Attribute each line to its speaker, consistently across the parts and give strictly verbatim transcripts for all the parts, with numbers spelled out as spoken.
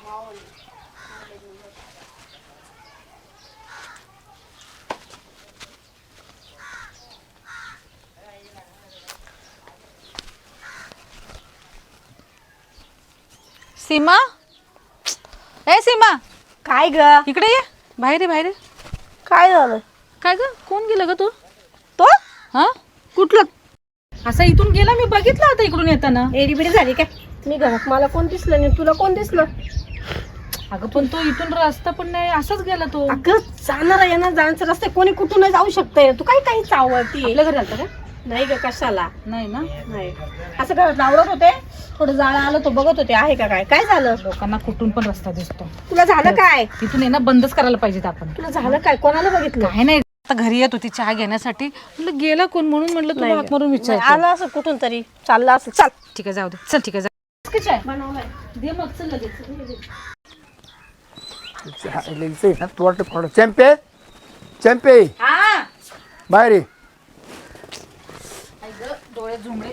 Speaker 1: सीमा, ए सीमा,
Speaker 2: काय ग?
Speaker 1: इकडे ये. बाहेर ये, बाहेर ये.
Speaker 2: काय झालं?
Speaker 1: काय ग, कोण गेलं ग तू?
Speaker 2: तो
Speaker 1: हा
Speaker 2: कुठलं?
Speaker 1: असा इथून गेला, मी बघितलं आता इकडून येताना.
Speaker 2: एडीबिडी झाली काय? मी घरात, मला कोण दिसलं नाही, तुला कोण दिसलं?
Speaker 1: अगं पण तो इथून रस्ता पण नाही, असाच गेला तो.
Speaker 2: अगं जाणार येणार जाण्याचा रस्ता कोणी कुठून जाऊ शकतंय. तू काय काही चावळती?
Speaker 1: आपल्या घरी आलता का?
Speaker 2: नाही ग, कशाला
Speaker 1: नाही ना.
Speaker 2: नाही. असं घरात आवडत होते, थोडं जाळं आलं तो बघत होते आहे का काय. काय झालं?
Speaker 1: लोकांना कुठून पण रस्ता दिसतो.
Speaker 2: तुला झालं काय?
Speaker 1: तिथून ये ना, बंदच करायला पाहिजेत आपण.
Speaker 2: तुला झालं काय? कोणाला बघितलं?
Speaker 1: काय नाही, आता घरी येत होती चहा घेण्यासाठी, म्हटलं गेला कोण म्हणून म्हटलं तुला हाक मारून विचार.
Speaker 2: आलं असं कुठून तरी चाललं असं. चल
Speaker 1: ठीक आहे, जाऊ दे. चल ठीक आहे, जा. चाय
Speaker 2: बनवलंय.
Speaker 1: दे मग, चल लगेच.
Speaker 3: चॅम्पे चॅम्पे
Speaker 1: हा
Speaker 3: बाहेर ये.
Speaker 1: डोळे झुमले.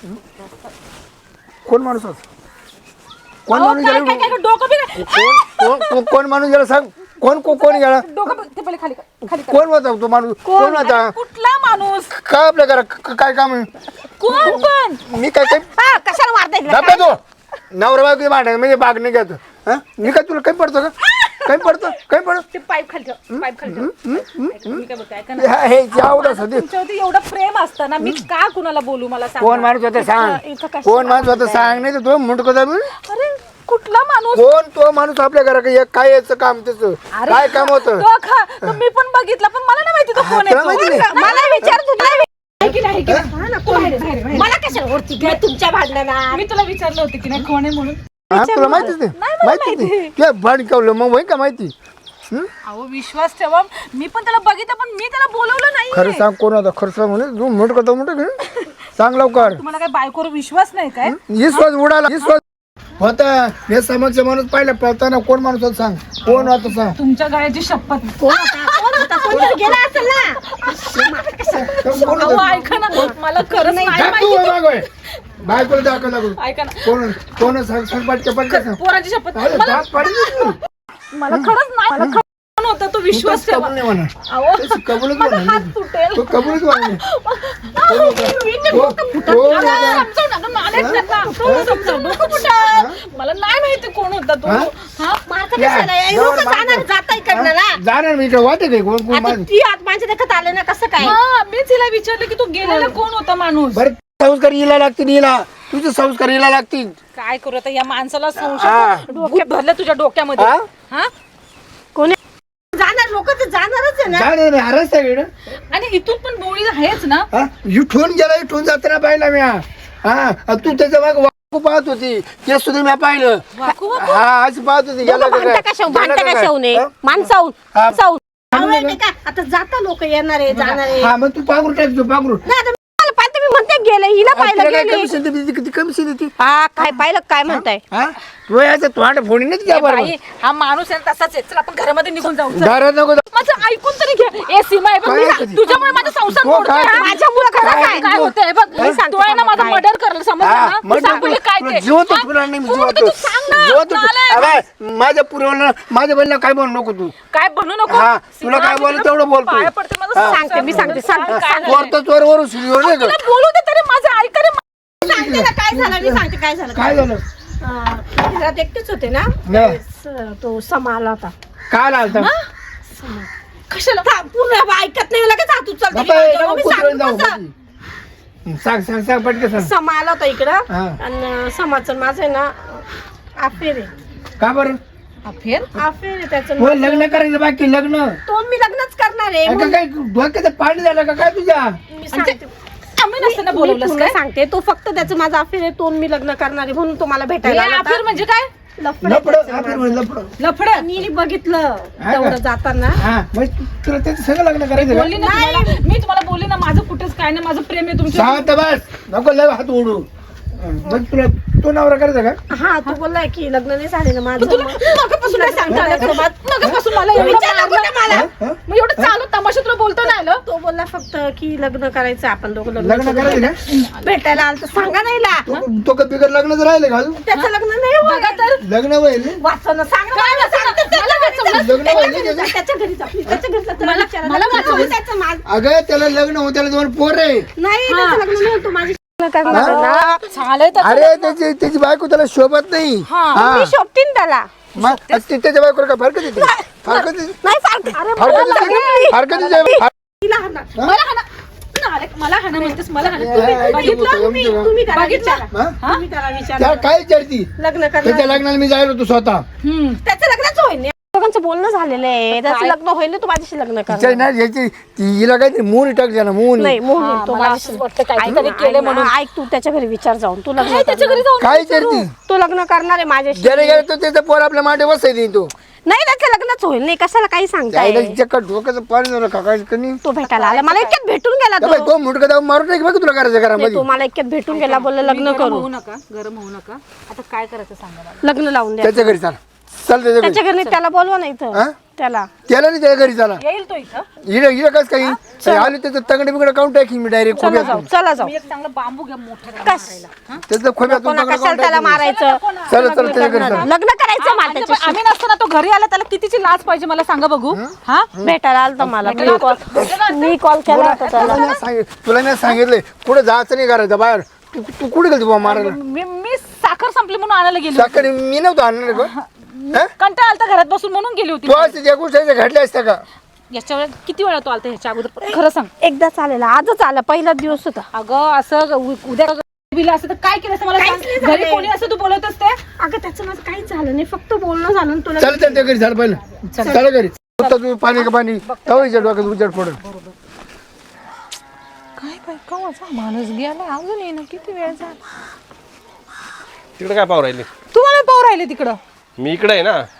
Speaker 3: कोण माणूस होता? कोण माणूस
Speaker 1: काय
Speaker 3: गेला?
Speaker 1: काय काय डोकं बी नाही.
Speaker 3: कोण कोण- कोण माणूस गेला सांग. कोण कोण कोण गेला?
Speaker 1: डोकं बी- ते पहिले खाली कर, खाली कर.
Speaker 3: कोण होता तो माणूस? कोण होता?
Speaker 1: कुठला माणूस?
Speaker 3: काय आपल्या घरात क- काय काम आहे?
Speaker 1: कोण पण?
Speaker 3: मी काय काय
Speaker 2: हा, कशाला मारताय तिला?
Speaker 3: दाबा तो नवरा बायको भांडण म्हणजे बाग नाही घ्यायचं. हा मी काय तुला काही पडतो का? काही पडतो काही पडतो
Speaker 1: ते पाईप खाली ठेव, पाईप खाली ठेव. ऐका, मी काय बोलते, ऐका ना.
Speaker 3: हे आवडत होते.
Speaker 1: तुमच्यावरती एवढं प्रेम असतं ना, मी का कुणाला बोलू मला सांगा.
Speaker 3: कोण माणूस होता सांग.
Speaker 2: इथं कशाला
Speaker 3: कोण माणूस होता सांग, नाही तर तो मुंडको दाबून.
Speaker 1: अरे कुठला माणूस?
Speaker 3: कोण तो माणूस आपल्या घराकडे काय याचं काम त्याचं
Speaker 1: अरे,
Speaker 3: काय काम होतं?
Speaker 1: तो खा, तो मी पण बघितला, पण मला नाही माहिती तो कोण
Speaker 3: तुला माहिती
Speaker 1: आहे
Speaker 3: नाही?
Speaker 1: तो. मला विचार तुला. आहे की नाही, आहे की नाही?
Speaker 2: हा ना, कोण आहे? मला कशाला ओळखती ग तुमच्या भांडणात?
Speaker 1: मी तुला विचारलं होतं की नाही कोण आहे म्हणून.
Speaker 3: हा तुला माहितीच नाही
Speaker 1: नाही, मला
Speaker 3: माहितीच नाही तुला भांडकवलं मग होय का माहिती? हं?
Speaker 1: अहो विश्वास ठेवा, मी पण त्याला बघितलं, पण मी त्याला बोलवलं नाही.
Speaker 3: खरं सांग कोण होता? खरं सांग म्हणे तू मोठ करतो मोठ सांग लवकर.
Speaker 1: तुम्हाला काय बायकोवर विश्वास नाही काय?
Speaker 3: विश्वास उडाला. विश्वास होता हे समक्ष माणूस पाहिला पळताना कोण माणूस होता सांग. कोण होता सांग.
Speaker 1: तुमच्या गळ्याची शपथ.
Speaker 2: कोण होता? कोण होता? कोणी गेला असेल ना.
Speaker 3: कोण
Speaker 1: अहो
Speaker 3: होता?
Speaker 1: ऐका ना, मला खरंच नाही
Speaker 3: दाख तू
Speaker 1: माहिती.
Speaker 3: होय मागं. बायकोला दाखव लागू.
Speaker 1: ऐका ना,
Speaker 3: कोण कोण सांग सांग पटके पटके सांग.
Speaker 1: पोराची शपथ.
Speaker 3: अरे
Speaker 1: मला
Speaker 3: दात पाडील तू.
Speaker 1: मला खरंच नाही, मला खरंच कोण होता तो विश्वास
Speaker 3: तू
Speaker 1: ठेवा.
Speaker 3: कबूल नाही म्हणा.
Speaker 1: अहो
Speaker 3: तू कबूलच
Speaker 1: माझा
Speaker 3: म्हणा.
Speaker 1: हात तुटेल.
Speaker 3: तू कबूलच म्हणा.
Speaker 1: अहो, मी ते डोकं फुटत.
Speaker 3: कोण
Speaker 1: अरे,
Speaker 3: होता?
Speaker 1: समजावू नका, नालायक त्यांना. तो समजावू, डोकं फुटत. मला नाही माहिती कोण होता तो.
Speaker 3: हा?
Speaker 1: हा?
Speaker 2: मारता
Speaker 3: या,
Speaker 2: कशाला? हे
Speaker 3: जवळ
Speaker 2: लोकं
Speaker 3: मारता.
Speaker 2: जाणार जाता इकडनं ना.
Speaker 3: जाणार मी इकडे वाटत आहे कोण कोण
Speaker 2: आता
Speaker 3: माणूस.
Speaker 2: ती आत माझ्या देखत आले ना, कसं काय?
Speaker 1: हा, मीच हिला विचारलं की तू गेलेला कोण होता माणूस.
Speaker 3: बरं संस्कार हिला लागतील हिला तुझे संस्कार हिला लागतील.
Speaker 1: काय करू आता या माणसाला
Speaker 3: हा.
Speaker 1: संशय डोक्यात भरलं तुझ्या डोक्यामध्ये.
Speaker 3: हा?
Speaker 1: हा?
Speaker 2: कोणी जाणार? लोक तर जाणारच आहे ना.
Speaker 3: जाणार नाही हरस आहे इकडं.
Speaker 1: आणि इथून पण बोळी आहेच ना.
Speaker 3: हा इथून गेला इथून जाताना पाहिला मी. हा तू त्याच्या माग वाकू पाहत होती ते सुद्धा मी पाहिलं.
Speaker 1: वाकू वाकू.
Speaker 3: हा अशी पाहत होती गेला
Speaker 2: दोघं
Speaker 3: का काय?
Speaker 2: भांडता कशाहून?
Speaker 3: गेला
Speaker 2: भांडता
Speaker 3: का काय?
Speaker 2: कशाहून आहे?
Speaker 3: हा?
Speaker 2: माणसाहून
Speaker 3: हा.
Speaker 2: माणसाहून. आवडलं नाही का? आता जाता लोक येणार आहे जाणार आहे.
Speaker 3: हा मग तू पागरू टाक तू पागरू.
Speaker 2: नाही, आता मला पाहते मी म्हणते गेले हिला पाहिलं
Speaker 3: तिला काय
Speaker 2: गेले.
Speaker 3: कमिशन देते किती कमिशन देते?
Speaker 2: हा काय पाहिलं काय म्हणताय?
Speaker 3: हा तू याचं तोंड फोडी नाही
Speaker 1: ए
Speaker 3: त्या बरोबर.
Speaker 1: बाई, हा माणूस आहे ना तसाच आहे. चल आपण घरामध्ये निघून जाऊ. चल.
Speaker 3: घरात नको जाऊ.
Speaker 1: माझं ऐकून तरी घे. ए सीमा आहे बघ,
Speaker 3: काय
Speaker 1: मी-
Speaker 3: ऐकते?
Speaker 1: तुझ्यामुळे माझा संसार
Speaker 3: हो,
Speaker 1: मोडतोय.
Speaker 3: काय
Speaker 1: हा?
Speaker 3: ऐकते?
Speaker 1: माझ्यामुळे खरं
Speaker 3: काय
Speaker 1: काय
Speaker 3: ऐकते?
Speaker 1: काय होतंय बघ.
Speaker 2: मी सांगते
Speaker 1: तू आहे ना माझं
Speaker 2: काय.
Speaker 1: मर्डर करलं, समजलं
Speaker 3: हा,
Speaker 1: ना? तू
Speaker 3: मग
Speaker 1: सांग पहिले काय ते.
Speaker 3: जीवत
Speaker 1: हा?
Speaker 3: तुला नाही
Speaker 1: कोण होतं
Speaker 3: जीवत
Speaker 1: तू सांग ना.
Speaker 3: जीवत
Speaker 1: नालायक.
Speaker 3: अरे माझ्या पुरवलं माझ्या बहिणीला काय म्हणू नको तू.
Speaker 1: काय बनू नको.
Speaker 3: हा,
Speaker 1: सीमा,
Speaker 3: तुला काय
Speaker 1: मी
Speaker 3: बोललं
Speaker 1: तुला
Speaker 3: तेवढं बोल तू.
Speaker 1: पाया पडते, माझं
Speaker 3: हा.
Speaker 1: संसार
Speaker 2: सांगते, मी सांगते,
Speaker 1: मोडतोय.
Speaker 2: सांगते.
Speaker 1: काय झालंय?
Speaker 3: चोर तर चोर वरून सुरू नाही
Speaker 1: तुला बोलू दे तरी माझं ऐक रे.
Speaker 2: सांगते ना काय झालं मी सांगते काय झालं.
Speaker 3: काय झालं
Speaker 2: अं, मी घरात एकटीच होते ना.
Speaker 3: नाही.
Speaker 2: त्यावेळेस, तो समा आला होता.
Speaker 3: काय आलता
Speaker 2: समा.
Speaker 1: कशाला?
Speaker 2: था, पूर्ण ऐकत नाही लगेच हात उचलते.
Speaker 3: बाबा,
Speaker 2: मी
Speaker 3: नको
Speaker 2: सांगते
Speaker 3: कुत्र्याला जाऊ
Speaker 2: कसं.
Speaker 3: बाकी. सांग सांग सांग पटके सांग.
Speaker 2: समा आला होता इकडं
Speaker 3: हा.
Speaker 2: आणि समाचं माझं आहे ना अफेर आहे.
Speaker 3: का बरं
Speaker 1: अफेर?
Speaker 2: अफेर आहे त्याचं.
Speaker 3: हो लग्न करायचं बाकी लग्न.
Speaker 2: तो मी लग्नच करणार आहे.
Speaker 3: अगं काय डोक्याचं पाणी झालं का काय तुझ्या?
Speaker 2: मी सांगते
Speaker 1: आम्ही नसताना
Speaker 2: मी
Speaker 1: बोलवलंस
Speaker 2: तुला
Speaker 1: काय?
Speaker 2: सांगते तो फक्त त्याचं माझं अफेर आहे. तो मी लग्न करणार आहे म्हणून तो मला भेटायला आला
Speaker 1: अफेर
Speaker 2: होता.
Speaker 1: म्हणजे काय?
Speaker 2: लफडं
Speaker 3: लपड
Speaker 2: त्याचं
Speaker 3: आपलं
Speaker 2: माझं.
Speaker 3: म्हणे लपड.
Speaker 1: लफड.
Speaker 2: मी बघितलं
Speaker 3: का?
Speaker 2: तेवढं जाताना.
Speaker 3: हा मग तुला त्याचं सगळं लग्न करायचं
Speaker 1: बोलली
Speaker 3: का?
Speaker 1: ना तुम्हाला, मी तुम्हाला बोलली ना माझं कुठेच काय नाही, माझं प्रेम आहे तुमच्या.
Speaker 3: शांत बस नको लय हात ओढू. मग तुला तो नवरा करायचा का?
Speaker 2: हा तू बोललाय की लग्न नाही झाले ना माझं.
Speaker 1: तुला नकापासून काय सांगता आलं तुला? नकापासून मला एवढं
Speaker 2: विचारलं
Speaker 1: मारलं.
Speaker 2: कुठं मला?
Speaker 3: हा?
Speaker 1: मग एवढं चालू तमाशा तुला बोलता नाही आलं?
Speaker 2: तो बोलला फक्त की लग्न करायचं आपण दोघं
Speaker 3: लग्न करायचं का?
Speaker 2: भेटायला आलं तर सांगा नाही ला.
Speaker 3: तो- तो का बिगर लग्नच राहिले का अजून?
Speaker 2: त्याचं लग्न नाही
Speaker 1: बघा तर
Speaker 3: लग्न होईल
Speaker 2: वाचन सांग ना, मला सांगते ते.
Speaker 1: मला वाचवलं.
Speaker 3: लग्न होईल ना त्याचं?
Speaker 2: त्याच्या घरी जा, please. त्याच्या घरी जा. त्याला
Speaker 1: मला-
Speaker 2: विचारा.
Speaker 1: मला
Speaker 2: लग्न
Speaker 1: वाचवलं.
Speaker 2: होईल त्याचं माझं.
Speaker 3: अगं त्याला लग्न होऊ त्याला दोन पोर आहे.
Speaker 2: नाही त्याचं लग्न नाही होत, तू माझी
Speaker 1: झालंय तर
Speaker 3: अरे त्याची त्याची बायको त्याला शोभत नाही हा.
Speaker 2: मी शोभतीन त्याला.
Speaker 3: मग ते- त्याच्या बायकोला काय फरक देते फरक देते
Speaker 2: नाही फार अरे
Speaker 3: फरक
Speaker 2: मला
Speaker 3: देते
Speaker 2: लागली.
Speaker 3: फरक देते
Speaker 2: तिला हाणणार.
Speaker 1: मला हाना नालायक, मला हाना म्हणतेस मला हाना
Speaker 3: तुम्ही-
Speaker 1: तुम्ही बघितलं
Speaker 2: तुम्ही तुम्ही त्याला
Speaker 1: बघितलं?
Speaker 2: विचारा.
Speaker 3: हा?
Speaker 2: तुम्ही त्याला विचारा.
Speaker 3: त्याला काय विचारती
Speaker 2: लग्न
Speaker 3: त्याच्या
Speaker 2: करणार
Speaker 3: लग्नाला मी जायला होतो स्वतः
Speaker 1: हम्म.
Speaker 2: त्याचं लग्नच होईल नाही. दोघांचं बोलणं झालेलं आहे. त्याचं लग्न होईल नाही, तू माझ्याशी लग्न कर.
Speaker 3: तिच्या ना याची ती हिला काहीतरी मून टाकते ना मून
Speaker 2: नाही मोह
Speaker 1: हा,
Speaker 2: तो
Speaker 1: मला
Speaker 2: माझ्याशी
Speaker 1: असंच वाटतं काहीतरी
Speaker 2: ऐक ना,
Speaker 1: केलं
Speaker 2: ऐक ना,
Speaker 1: म्हणून.
Speaker 2: ऐक तू त्याच्या घरी विचार जाऊन तू लग्न
Speaker 1: काय त्याच्या घरी
Speaker 2: करणार.
Speaker 1: जाऊन
Speaker 3: काय विचारती
Speaker 2: तू लग्न करणार आहे माझ्याशी.
Speaker 3: ज्याने गेला तो त्याचा पोर आपल्या माटे बसायची तो
Speaker 2: नाही त्याचं लग्नच होईल नाही. कशाला काही सांगताय.
Speaker 3: त्याला चक्कर डोक्याचं पाणी झालं का काय कणी
Speaker 2: तो भेटायला आला मला इतक्यात भेटून गेला
Speaker 3: बाई
Speaker 2: तो.
Speaker 3: तो मुटका दाव मारून नाही बघ तुला करायचं
Speaker 2: नाही,
Speaker 3: घरामध्ये
Speaker 2: तो मला इतक्यात भेटून गेला बोलला लग्न
Speaker 1: गरम
Speaker 2: करू.
Speaker 1: होऊ नका गरम होऊ नका आता काय करायचं सांगा मला.
Speaker 2: लग्न लावून द्या.
Speaker 3: त्याच्या घरी चाल चल त्याच्या घरी
Speaker 2: त्याच्या घरी नाही, त्याला बोलवा नाही
Speaker 3: हा?
Speaker 2: तर त्याला
Speaker 3: त्याला नाही त्याच्या घरी चाला
Speaker 1: येईल तो इथं.
Speaker 3: हिला हिला कस काही आली त्याचं तंगडे बिगडे काउंट टाकीन मी डायरेक्ट
Speaker 2: चला जाऊ
Speaker 3: खोब्यात
Speaker 2: चला जाऊ.
Speaker 1: मी एक चांगला बांबू घ्या मोठा
Speaker 2: कस
Speaker 3: त्याचं खोब्यातून
Speaker 2: कोणा
Speaker 3: तंगडं
Speaker 2: कशाला
Speaker 3: काढून
Speaker 2: त्याला
Speaker 3: टाकीन.
Speaker 2: मारायचं.
Speaker 3: चला चल त्याच्या घरी चला
Speaker 2: लग्न करायचं मला
Speaker 1: आणि
Speaker 2: त्याच्याशी.
Speaker 1: आम्ही नसताना तो घरी आला त्याला कितीची लाज पाहिजे मला सांगा बघू हा
Speaker 2: भेटायला आलता मला मी कॉल मी कॉल केला होता त्याला.
Speaker 3: तुला नाही सांगितलं तुला नाही सांगितलंय कुठं जायचं नाही करायचं बाहेर तू तू कुठे गेली बाबा मारायला
Speaker 1: मी मी साखर संपली म्हणून आणायला गेली
Speaker 3: साखर मी नव्हतं आणणार का हा?
Speaker 1: कंटाळा आलता घरात बसून म्हणून गेली होती
Speaker 3: तू असं ज्या गोष्टी घडल्या असत्या का
Speaker 1: याच्या वेळेस किती वेळा तो आलता ह्याच्या अगोदर खरं सांग.
Speaker 2: एकदा चालेल आजच आला पहिलाच दिवस होता.
Speaker 1: अगं असं उ- उद्या बिला असं तर काय केलं असं मला
Speaker 2: काहीच
Speaker 1: सांग.
Speaker 2: नाही
Speaker 1: घरी
Speaker 2: झालंय.
Speaker 1: कोणी असं तू बोलत असते.
Speaker 2: अगं त्याचं माझं काहीच झालं नाही फक्त बोलणं झालं आणि तुला
Speaker 3: चल त्यांच्या घरी झालं पहिलं चला घरी आता तुम्ही पाणी का पाणी तवायच्या डोक्यात उजड पडत
Speaker 1: काय काय कवाचा माणूस गेला अजून येणं किती वेळ झाला.
Speaker 4: तिकडे काय पाहू राहिली
Speaker 1: तुम्हाला पाहू राहिले तिकडं.
Speaker 4: मी इकडे आहे ना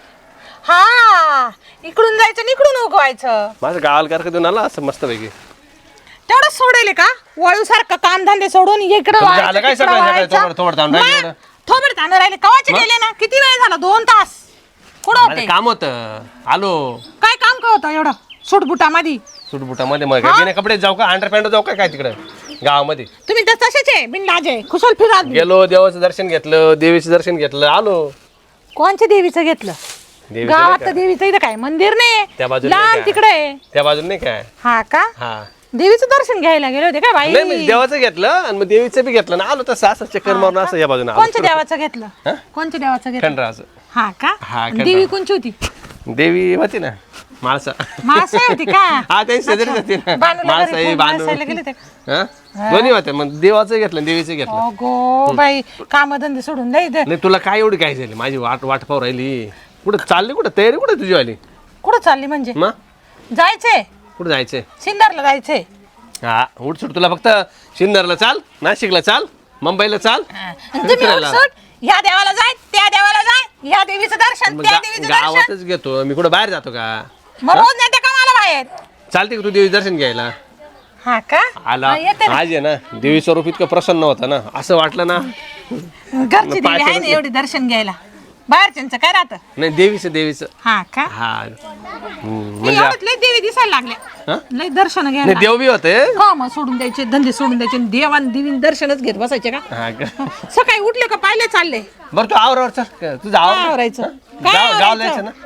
Speaker 1: हा इकडून जायचं आणि इकडून उगवायचं
Speaker 4: माझं गावाला कारखा देऊन आला असं मस्तपैकी
Speaker 1: तेवढं सोडेल का वळू सारखं काम धंदे सोडून इकडं
Speaker 4: तुमचं झालं काय सगळं सगळं थोबड थोबड थांब राहिली एवढं?
Speaker 1: थोबड तांदूळ राहिले कवाचे गेले ना किती वेळ झाला दोन तास कुठं
Speaker 4: माझं
Speaker 1: होते
Speaker 4: काम होतं आलो
Speaker 1: काय काम का होतं एवढं सुटबुटामध्ये.
Speaker 4: सुटबुटामध्ये मग काय बिना कपडे जाऊ का अंडर पॅन्ट जाऊ का काय तिकडे गावामध्ये
Speaker 1: तुम्ही तर तसेच आहे बिनलाजे खुशाल फिरात बी.
Speaker 4: गेलो देवाचं दर्शन घेतलं देवीचं दर्शन घेतलं आलो
Speaker 1: कोणच्या देवीचं घेतलं
Speaker 4: देवीचं नाही
Speaker 1: गावात तर
Speaker 4: का?
Speaker 1: देवीचं इथं काय मंदिर नाही
Speaker 4: त्या बाजूला नाही
Speaker 1: लांब
Speaker 4: का?
Speaker 1: तिकडे आहे.
Speaker 4: त्या बाजून नाही काय
Speaker 1: हा का
Speaker 4: हा
Speaker 1: देवीचं दर्शन घ्यायला गेले होते का
Speaker 4: नाही मी
Speaker 1: बाई.
Speaker 4: देवाचं घेतलं आणि मग देवीचं बी घेतलं ना आलो तसं असं चक्कर मारून असं या बाजून
Speaker 1: कोणच्या देवाचं घेतलं कोणच्या देवाचं घेतलं
Speaker 4: खंडराचं
Speaker 1: हा का
Speaker 4: हा,
Speaker 1: आणि
Speaker 4: खंडा.
Speaker 1: देवी कोणची होती
Speaker 4: देवी होती ना माळसा
Speaker 1: मासा होती का
Speaker 4: हा त्यांची शेजारीच होती ना
Speaker 1: बांधूला
Speaker 4: माळसा
Speaker 1: घरी
Speaker 4: ही
Speaker 1: कोण
Speaker 4: बांधू
Speaker 1: माणसाला गेले ते.
Speaker 4: हा? दोन्ही होते मग देवाचं घेतलं देवीचं घेतलं
Speaker 1: अगो बाई कामधंदे सोडून द्या इथं.
Speaker 4: नाही तुला काय एवढी काय झाली माझी वाट वाट पाहू राहिली कुठं चालली कुठं तयारी कुठं तुझी आली
Speaker 1: कुठं चालली म्हणजे
Speaker 4: मग
Speaker 1: जायचंय
Speaker 4: कुठं जायचंय
Speaker 1: सिन्नरला जायचंय.
Speaker 4: हा उठसूट तुला फक्त सिन्नरला चाल नाशिकला चाल मुंबईला चाल
Speaker 1: आणि तुम्ही
Speaker 4: फिरायला.
Speaker 1: उठसूट ह्या देवाला जाय त्या देवाला जाय ह्या देवीचं दर्शन
Speaker 4: मग
Speaker 1: त्या
Speaker 4: गा-
Speaker 1: देवीचं दर्शन
Speaker 4: गावातच घेतो मी कुठं बाहेर जातो का
Speaker 1: मग रोज नेते का मला बाहेर.
Speaker 4: चालते का तू देवी दर्शन घ्यायला
Speaker 1: हा का
Speaker 4: आला
Speaker 1: हा, येते ना.
Speaker 4: आज आहे ना देवी स्वरूप इतकं प्रसन्न होतं ना असं वाटलं ना
Speaker 1: घरची देवी आहे ना एवढी दर्शन घ्यायला बाहेरच्यांचं काय राहतं.
Speaker 4: नाही देवीचं देवीचं
Speaker 1: हा का
Speaker 4: हा हम्म,
Speaker 1: मी
Speaker 4: म्हणजे
Speaker 1: एवढ्यात लय देवी दिसायला लागल्या
Speaker 4: हा?
Speaker 1: लय दर्शन
Speaker 4: नाही
Speaker 1: घ्यायला
Speaker 4: देव बी होते
Speaker 1: हो मग सोडून द्यायचे धंदे सोडून द्यायचे आणि देवान देवी दर्शनच घेत बसायचे का.
Speaker 4: हा का
Speaker 1: सकाळी उठले का पाहिले चालले
Speaker 4: बरं तू आवरावर चल तुझं
Speaker 1: काय
Speaker 4: आवर
Speaker 1: आवरायचं काय
Speaker 4: गाव गाव
Speaker 1: आवरायचं?
Speaker 4: जायचं ना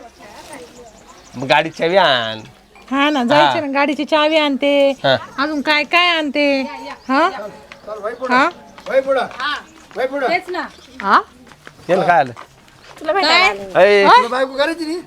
Speaker 4: मग गाडीची चावी आण
Speaker 1: हा ना जायचे ना गाडीची चावी आणते
Speaker 4: हा.
Speaker 1: अजून काय काय आणते हा हा
Speaker 3: वय पुढं वय पुढं
Speaker 1: तेच ना
Speaker 2: हा
Speaker 4: याला काय आलं
Speaker 2: तुला भेटायला आले.
Speaker 4: अय,
Speaker 3: तुला बायको करायची नाही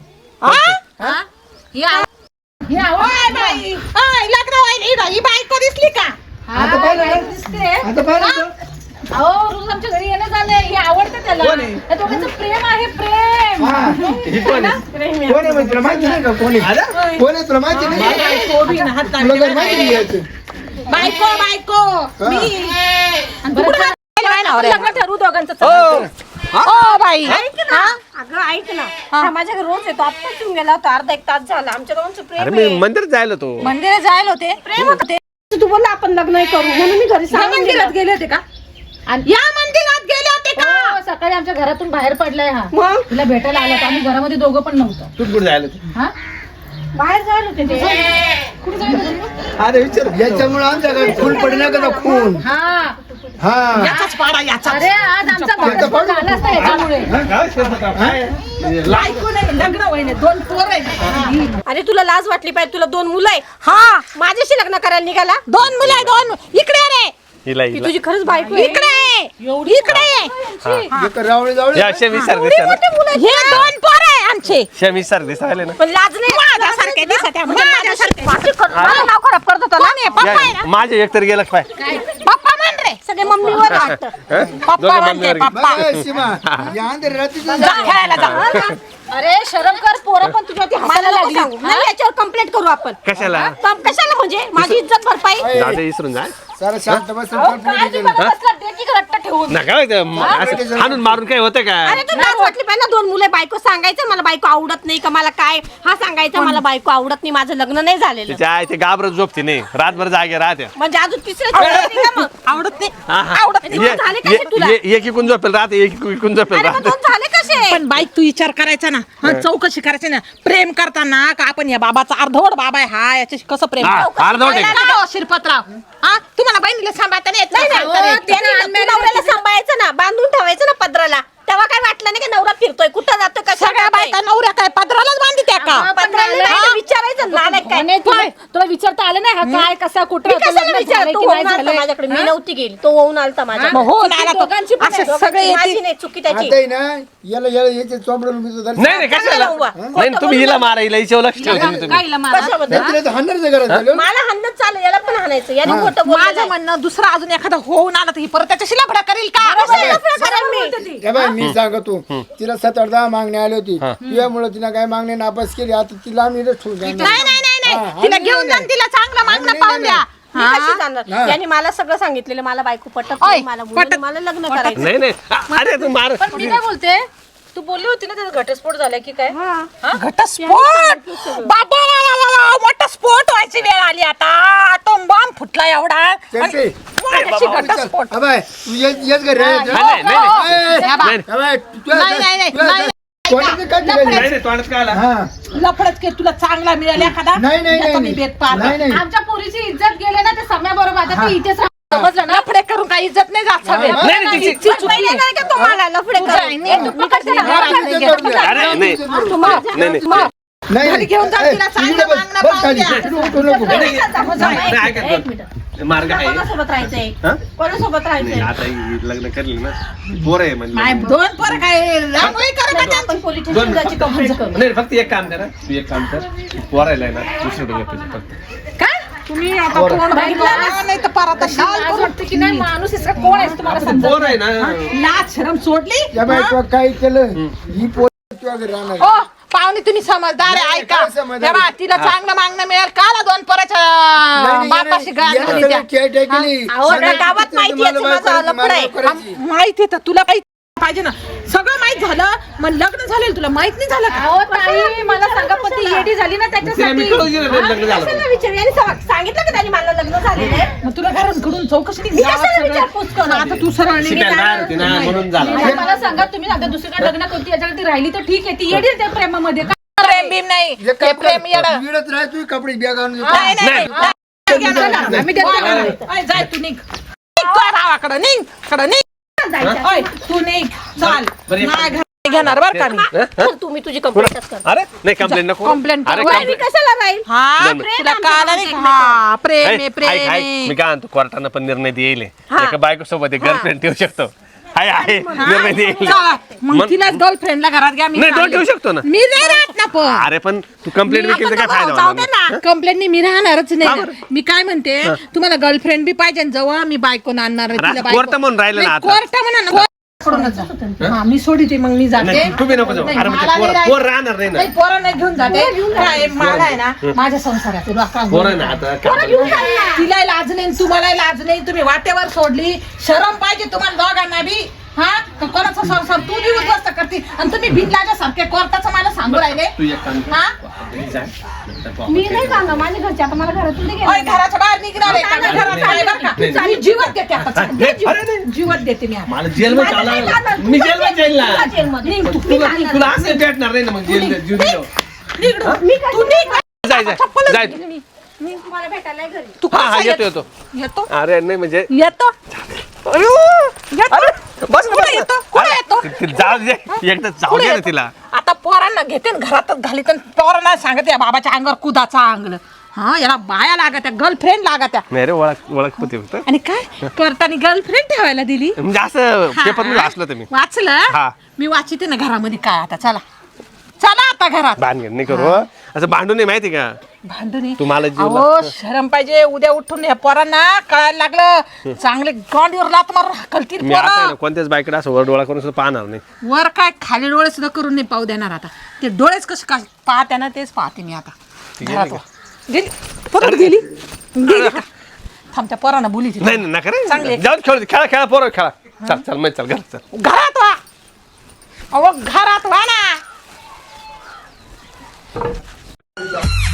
Speaker 1: लग्न व्हायला ही बायको दिसली का.
Speaker 3: आता पाहिलं का? आता पाहिलं का?
Speaker 1: अहो रोज आमच्या घरी येणं झालंय हे आवडतं त्याला
Speaker 3: कोण आहे?
Speaker 1: त्या दोघांचं प्रेम आहे प्रेम.
Speaker 3: हा, ही कोण आहे? कोण आहे म्हणजे तुला माहिती नाही का कोण आहे कोण आहे तुला माहिती नाही तुला काही माहिती नाही याचं.
Speaker 1: बायको बायको मी आणि तू कुठं आहे? लग्न ठरवू दोघांचं
Speaker 4: हो.
Speaker 1: ओ बाई
Speaker 2: ऐक ना अगं ऐक ना हा माझ्या घरी रोज येतो आत्ताच येऊन गेला होता अर्धा एक तास झाला आमच्या दोघांचं
Speaker 4: अरे
Speaker 2: प्रेम
Speaker 4: मी
Speaker 2: आहे.
Speaker 4: मंदिरात जायला तो
Speaker 1: मंदिरात जायला होते प्रेम होते.
Speaker 2: तू बोलला आपण लग्न करू म्हणून मी घरी सांगून
Speaker 1: मंदिरात
Speaker 2: गेले होते का
Speaker 1: या मंदिरात गेले होते का.
Speaker 5: हो, सकाळी आमच्या घरातून बाहेर पडलाय हा
Speaker 2: मग
Speaker 5: तुला भेटायला आला तर आम्ही घरामध्ये दोघं पण नव्हतं.
Speaker 4: तू कुठे जायला तू
Speaker 5: हा
Speaker 2: बाहेर जायला होते ते
Speaker 5: कुठे जायचं तुम्ही?
Speaker 3: अरे विचार याच्यामुळे आमच्या घरात खून पडणार का खून
Speaker 5: हा
Speaker 3: हा
Speaker 1: याचाच पाडा याचा
Speaker 5: अरे आज आमचा घटस्फोट झाला असता याच्यामुळे
Speaker 1: बायको नाही लग्न होईने दोन पोर आहे
Speaker 2: अरे तुला लाज वाटली पाहिजे तुला दोन मुलं आहे
Speaker 1: हा
Speaker 2: माझ्याशी लग्न करायला निघाला
Speaker 1: दोन मुलं आहे दोन इकडे रे
Speaker 4: हिला
Speaker 2: ती
Speaker 4: हिला
Speaker 2: तुझी खरंच बायको आहे
Speaker 1: इकडे आहे इकडे
Speaker 3: एक रावळे जावळे
Speaker 4: या शमी सारखे दिसतात ना
Speaker 1: हे दोन पोर आहे आमचे
Speaker 4: शमी सारखे दिसायले ना
Speaker 2: पण लाज नाही
Speaker 1: माझ्यासारखे दिसत आहे म्हणजे माझ्यासारखे
Speaker 2: माझी कर- मला नाव खराब करत होता ना
Speaker 1: कोण आहे? पप्पा आहे
Speaker 4: या,
Speaker 1: ना
Speaker 4: माझे एक तर गेलं काय
Speaker 1: पप्पा म्हण रे
Speaker 2: सगळे मम्मीवर वाटतं
Speaker 1: पप्पा
Speaker 4: दोघं
Speaker 1: म्हणते
Speaker 4: मम्मीवर
Speaker 1: पप्पा
Speaker 3: बघ, सीमा या अंदर रात्रीचं
Speaker 1: जा खेळायला जा
Speaker 2: अरे शरम कर पोरं पण तुझ्या ती हसायला लागली नाही याच्यावर कंप्लेंट करू आपण
Speaker 4: कशाला
Speaker 2: हा? कम- कशाला म्हणजे माझी इज्जत भरपाई
Speaker 4: दादा विसरून जा
Speaker 3: सारा शांत बस
Speaker 2: अहो, काय ते मला बसला डेटी घट्ट ठेवून
Speaker 4: नका बघ ते, म- असं हाणून मारून काय होतं का
Speaker 2: अरे तू लाज वाटली पाहिजे ना दोन मुलं बायको सांगायचं मला बायको आवडत नाही का मला काय हा सांगायचं मला बायको आवडत नाही माझं लग्न नाही झालेलं
Speaker 4: तिच्या आई ते घाबरत झोपते नाही रातभर जागे राहत्या
Speaker 2: म्हणजे अजून तिसरं नाही का मग
Speaker 1: आवडत नाही
Speaker 4: हा, हा.
Speaker 1: आवडत नाही
Speaker 2: दोन झाले कसे
Speaker 4: ये-
Speaker 2: तुला?
Speaker 4: ये- एक इकून झोपेल राहते एक इकून झोपेल
Speaker 2: अरे मग
Speaker 4: राहते
Speaker 2: दोन झाले कसे
Speaker 1: पण बाईक तू विचार करायचा ना हा चौकशी करायची ना प्रेम करताना का आपण या बाबाचा अर्धवट बाबा आहे हा याच्याशी कसं प्रेम
Speaker 4: हा,
Speaker 1: चौकशी
Speaker 4: अर्धवट आहे.
Speaker 1: करायला लावा, शिरपतराव हा तुम्हाला बहिणीला सांभाळता नाही येत
Speaker 2: नाही
Speaker 1: का?
Speaker 2: नाही
Speaker 1: सांगता नाही
Speaker 2: अहो,
Speaker 1: येत.
Speaker 2: त्याने नवऱ्याला सांभाळायचं ना बांधून ठेवायचं ना पदराला तेव्हा काय वाटलं नाही की नवरा फिरतोय कुठं जातोय कशा
Speaker 1: सगळ्या बायका नवऱ्या काय पदरालाच बांधी त्या का
Speaker 5: हा,
Speaker 2: पदराला नाही
Speaker 5: हा.
Speaker 2: तर विचारायचं नालायक काय
Speaker 5: म्हणे तुला तुला विचारता आलं नाही हा काय कसा कुठं
Speaker 2: मी
Speaker 5: होतं,
Speaker 2: कशाला
Speaker 5: लग्न
Speaker 2: विचार
Speaker 5: झालंय
Speaker 2: तो
Speaker 5: की
Speaker 2: होऊन
Speaker 5: नाही
Speaker 2: आलता
Speaker 5: झालंय?
Speaker 2: माझ्याकडे मी नव्हती गेली तो होऊन आलता
Speaker 1: मग
Speaker 2: माझ्याकडे
Speaker 1: हो आला तो
Speaker 5: दोघांची पण
Speaker 1: असे
Speaker 5: आहे,
Speaker 1: सगळे
Speaker 2: माझी
Speaker 1: येते
Speaker 2: नाही चुकी त्याची
Speaker 3: आता आहे ना याला याला याचे चोंबडून मी तुझं
Speaker 4: नाही नाही कशाला
Speaker 2: चांगलं उभा.
Speaker 4: नाही नाही, तुम्ही हिला मारा हिला हिच्यावर लक्ष ठेवा तुम्ही तुम्ही
Speaker 5: गाईला मारा.
Speaker 2: कशाबद्दल
Speaker 3: हाणारचं घरात झालं
Speaker 2: मला हाणणं चालेल याला पण हाणायचं याने खोटं
Speaker 1: माझं
Speaker 2: बोललं
Speaker 1: म्हणणं दुसरा अजून एखादा होऊन आला तर ही परत त्याच्याशी लफडा करेल का
Speaker 3: हे बाय मी सांगतो तिला सात आठ दहा मागणी आली होती तुझ्यामुळे तिला काय मागणी नापास केली आता तिला आम्ही इथंच ठेवून जाणार.
Speaker 1: नाही नाही नाही
Speaker 3: हा,
Speaker 1: नाही तिला
Speaker 3: आम्ही
Speaker 1: घेऊन
Speaker 3: नाही,
Speaker 1: जा आणि तिला चांगलं मागणं
Speaker 3: आम्ही
Speaker 1: पाहून
Speaker 3: नाही,
Speaker 1: द्या
Speaker 2: मी कशी जाणार
Speaker 3: हा.
Speaker 2: याने मला सगळं सांगितलेलं मला बायको पटत
Speaker 1: ओय,
Speaker 2: नाही, मला मुलं
Speaker 1: पटत-
Speaker 2: नाही, मला लग्न करायचं
Speaker 4: नाही नाही अ- अरे तू मार
Speaker 5: पण मी काय बोलते तू बोलली होती ना त्याचा घटस्फोट झाला की काय
Speaker 1: घटस्फोट बाबा वा, वा, वा, वा, मोठा स्फोट व्हायची वेळ आली आता अटोम बॉम्ब फुटला एवढा आणि
Speaker 3: चलते.
Speaker 1: माझ्याशी घटस्फोट
Speaker 3: हा बाय तू येत येत घरी रे.
Speaker 4: नाही नाही नाही
Speaker 3: ए,
Speaker 1: या बा.
Speaker 4: नाही
Speaker 3: हा बाय, तुझ्या-
Speaker 1: नाही, नाही, नाही,
Speaker 3: तुझ्या-
Speaker 1: नाही,
Speaker 3: कोणाचं काय केलं?
Speaker 4: नाही नाही तोंडात काय आला
Speaker 3: हा.
Speaker 1: लफडच के तुला चांगला मिळाला एखादा
Speaker 3: नाही नाही
Speaker 1: याचा मी
Speaker 3: नाही
Speaker 1: बेत पाहतो.
Speaker 3: नाही नाही
Speaker 5: आमच्या पोरीची इज्जत गेले ना ते सम्याबरोबर आता ती इथेच राह- समजलं ना
Speaker 1: लफडे करून काही इज्जत नाही जात सगळे
Speaker 3: हा,
Speaker 4: नाही नाही तिची
Speaker 1: चुकली.
Speaker 2: पहिले नाही का तुम्हाला लफडे
Speaker 1: तुझं आहे, नाही,
Speaker 2: करून?
Speaker 1: तू कशाला घरात नाही
Speaker 3: तुझं
Speaker 1: घेत?
Speaker 3: तुझं
Speaker 4: अरे नाही नाही नाही
Speaker 3: नाही
Speaker 1: घरी घेऊन जा,
Speaker 3: ए,
Speaker 1: तिला चांगलं
Speaker 3: इकडे बस,
Speaker 1: मागणं
Speaker 3: बस
Speaker 1: पाहून
Speaker 3: खाली.
Speaker 1: द्या.
Speaker 3: इकडे उठू नको.
Speaker 4: नाही, नाही, ऐकत नाही. मार्ग आहे
Speaker 2: कोणासोबत राहायचंय
Speaker 4: हा?
Speaker 2: कोणासोबत
Speaker 4: नाही
Speaker 2: राहायचंय
Speaker 4: आता ही लग्न करली ना पोर आहे
Speaker 1: नाही,
Speaker 4: म्हणजे
Speaker 1: दोन पोरं काय रांगोळी करा का
Speaker 2: आपण पोलीस
Speaker 4: दोन
Speaker 2: स्टेशन जायची कंप्लेंट करू
Speaker 4: नाही फक्त एक काम करा तू एक काम कर पोरायला आहे ना दुसरीकडे पाहिजे फक्त
Speaker 1: काय तुम्ही आता तोंड बघितलं नाही तर परत
Speaker 5: लाज वाटते की नाही माणूस इसका कोण आहे तुम्हाला
Speaker 4: आपण
Speaker 5: समजा
Speaker 4: पोर आहे ना
Speaker 1: लाज शरम सोडली
Speaker 3: या बाई तू काय केलं ही पोर तुझ्या घरी राहणार
Speaker 1: ओ पाहुणे तुम्ही समजदार आहे
Speaker 3: नाही,
Speaker 1: ऐका
Speaker 3: काय समजदार?
Speaker 1: तेव्हा तिला चांगलं मागणं मिळेल काला दोन पोराच्या
Speaker 3: नाही,
Speaker 1: बापाशी
Speaker 3: नाही,
Speaker 1: गाण
Speaker 3: याला
Speaker 1: घाली
Speaker 3: सगळं
Speaker 1: त्या.
Speaker 3: खेळ केली.
Speaker 2: अहो,
Speaker 3: सगळं
Speaker 2: त्या गावात
Speaker 3: तिचं
Speaker 2: माहिती आहे
Speaker 3: तुम्हाला
Speaker 2: माझं
Speaker 3: बायको
Speaker 2: लफडं आहे.
Speaker 3: करायची.
Speaker 1: माहिती आहे तर तुला काही पाहिजे ना सगळं माहित झालं मग लग्न झालेलं तुला माहित नाही झालं का
Speaker 5: अहो ताई मला सांगा पण ती येडी झाली ना
Speaker 4: तिला मी
Speaker 5: त्याच्यासाठी
Speaker 4: कळू दिलं नाही लग्न झालं
Speaker 2: कशाला विचार याने सा- सांगितलं का त्याने मला लग्न झालेलं आहे
Speaker 1: मग तुला घरांकडून चौकशी नाही
Speaker 2: मी
Speaker 1: गावात
Speaker 2: कशाला
Speaker 1: सगळं.
Speaker 2: विचारपूस करणार?
Speaker 1: आता तू सरळ निघ.
Speaker 4: शिकायला तयार होती ना म्हणून झालं
Speaker 5: आता मला सांगा तुम्ही आता दुसरीकडे लग्न करते याच्याकडे ती राहिली तर ठीक आहे ती येडी आहे त्या प्रेमामध्ये का
Speaker 1: प्रेम बिम नाही
Speaker 3: एक
Speaker 1: ते
Speaker 3: काम कर,
Speaker 1: प्रेम येडं.
Speaker 3: तू इकडंच राह, तू कपडे बॅग आणून देतो.
Speaker 1: नाही नाही
Speaker 4: नाही.
Speaker 1: नाही. नाही. आम्ही देतो का नाही? ओय, जाय तू निघ निघ तू गावाकडं निघ कडं निघ ओय, तू निघ चाल
Speaker 4: बरं, एक-
Speaker 1: नाही घर घेणार बरं का मी
Speaker 4: हं? हं?
Speaker 2: तर तुम्ही तुझी कंप्लेंटच कर
Speaker 4: अरे नाही कंप्लेंट नको
Speaker 1: Complaint
Speaker 4: अरे
Speaker 1: करू.
Speaker 2: वय मी
Speaker 4: complaint-
Speaker 2: कशाला राहील
Speaker 1: हा
Speaker 4: नाही, नाही.
Speaker 1: तुला काला नाही हा प्रेम आहे
Speaker 4: ऐक,
Speaker 1: प्रेम
Speaker 4: ऐक, ऐक.
Speaker 1: आहे
Speaker 4: मी काय म्हणतो कोर्टानं पण निर्णय देईल
Speaker 2: हा.
Speaker 4: एका बायको सोबत एक गर्लफ्रेंड ठेवू शकतो आहे आहे निर्णय देईल
Speaker 1: चला, मग
Speaker 4: मग-
Speaker 1: तिला गर्लफ्रेंडला घरात घ्या मी
Speaker 4: नाही दोन
Speaker 1: चालले.
Speaker 4: ठेवू शकतो ना
Speaker 1: मी नाही राहत ना पण
Speaker 4: अरे पण तू कंप्लेंट केली तर काय फायदा
Speaker 1: जाऊ
Speaker 4: होणार
Speaker 1: दे
Speaker 4: नाही?
Speaker 1: ना कंप्लेंट नाही मी राहणारच
Speaker 4: का
Speaker 1: नाही
Speaker 4: बरं?
Speaker 1: मी काय म्हणते तुम्हाला गर्लफ्रेंड बी पाहिजे आणि जवळ मी बायको आणणार आहे,
Speaker 4: रा-
Speaker 1: तिला बायको-
Speaker 4: कोर्ट म्हणून राहिलं ना
Speaker 1: नाही,
Speaker 4: आता.
Speaker 1: कोर्ट म्हणा ना कोर्ट सोडूनच जा. हा, मी सोडते मग मी जाते
Speaker 4: नाही, तू बी नको जाऊ.
Speaker 1: नाही,
Speaker 4: अरे म्हणजे
Speaker 1: मला
Speaker 4: पोर-
Speaker 1: नाही
Speaker 4: पोर राहणार नाही ना.
Speaker 1: नाही, पोरं नाही घेऊन जाते काय, मला आहे ना माझ्या संसारात
Speaker 4: पोर आहे ना आता काय-
Speaker 1: तिला लाज नाही तुम्हाला लाज नाही तुम्ही वाटेवर सोडली शरम पाहिजे तुम्हाला दोघांना बी हा का कोणाचा संसार तू बी उद्ध्वस्त करते आणि तुम्ही बिनलाजा सारखे कोर्टाचं मला सांगू राहिले
Speaker 4: तू एक काम कर.
Speaker 1: हा
Speaker 4: घरी जा. नंतर तू
Speaker 2: मी
Speaker 4: आपण
Speaker 2: नाही
Speaker 4: काय
Speaker 2: सांगा माझ्या घरचे आता मला घरातून नाही
Speaker 1: ओय,
Speaker 2: गेलं.
Speaker 1: घराच्या बाहेर निघणार आहे का? मी घरात आहे बरं
Speaker 4: नाही,
Speaker 1: का?
Speaker 4: नाही.
Speaker 1: मी जीवत देते आता
Speaker 4: हा, नाही, अरे नाही.
Speaker 1: जीवत देते मी आता.
Speaker 4: मला जेलमध्ये
Speaker 2: माझं नाही
Speaker 4: चालला
Speaker 2: जाणार.
Speaker 4: मी जेलमध्ये जाईल ना
Speaker 2: तुला जेलमध्ये.
Speaker 1: निघ तू,
Speaker 4: तुला तुला असं भेटणार नाही ना मग जेल जीव दिल्यावर.
Speaker 1: निघ तू. तू निघ.
Speaker 4: जाय जाय
Speaker 1: चप्पलच
Speaker 4: जाय
Speaker 1: घे.
Speaker 2: मला भेटायला नाही घरी
Speaker 1: तू
Speaker 4: हा हा
Speaker 1: कसा
Speaker 4: येतो येतो
Speaker 1: येतो
Speaker 4: अरे नाही म्हणजे
Speaker 1: येतो
Speaker 4: अयो!
Speaker 2: येतो.
Speaker 4: अरे, बस ना,
Speaker 2: कुठं
Speaker 4: बस ना.
Speaker 2: येतो? कुठं
Speaker 4: अरे,
Speaker 2: येतो?
Speaker 4: ते- ते जाऊ दे एकदा जाऊ
Speaker 2: पुढे
Speaker 4: दे ना
Speaker 2: येतो.
Speaker 4: तिला.
Speaker 2: आता पोरांना घेते न घरातच घालीत न पोरांना सांगते या बाबाच्या अंगावर कुदाचा अंगल. हा याला बाया लागत्या गर्लफ्रेंड लागत्या.
Speaker 4: नाही रे ओळख ओळख होती फक्त
Speaker 2: आणि काय करताना गर्लफ्रेंड ठेवायला दिली.
Speaker 4: म्हणजे असं
Speaker 2: हा.
Speaker 4: पेपर मध्ये वाचलं तुम्ही
Speaker 2: वाचलं
Speaker 4: हा.
Speaker 2: मी वाचते ना घरामध्ये काय आता चला चला आता घरात.
Speaker 4: भानगड नाही करू हं. असं भांडू नाही माहिती का
Speaker 2: भांडून
Speaker 4: तुम्हाला जीव
Speaker 2: अहो शरम पाहिजे उद्या उठून या पोरांना कळायला लागलं चांगले गांडीवर लात मार कलतील
Speaker 4: मी आता आहे ना
Speaker 2: पोरं.
Speaker 4: कोणत्याच बायकडे असं वर डोळा करून सुद्धा पाहणार नाही.
Speaker 2: वर काय खाली डोळे सुद्धा करून नाही पाहू देणार आता. ते डोळेच कसे का पाहते ना तेच पाहते मी आता घरात वा. गेली परत गेली गेली का? थांब त्या पोरांना बोली ती.
Speaker 4: नाही नाही नका रे
Speaker 2: चांगली.
Speaker 4: जाऊन खेळ खेळा खेळा पोरं खेळा चल चल मग चल घर चल
Speaker 2: घरात वा अहो घरात वा ना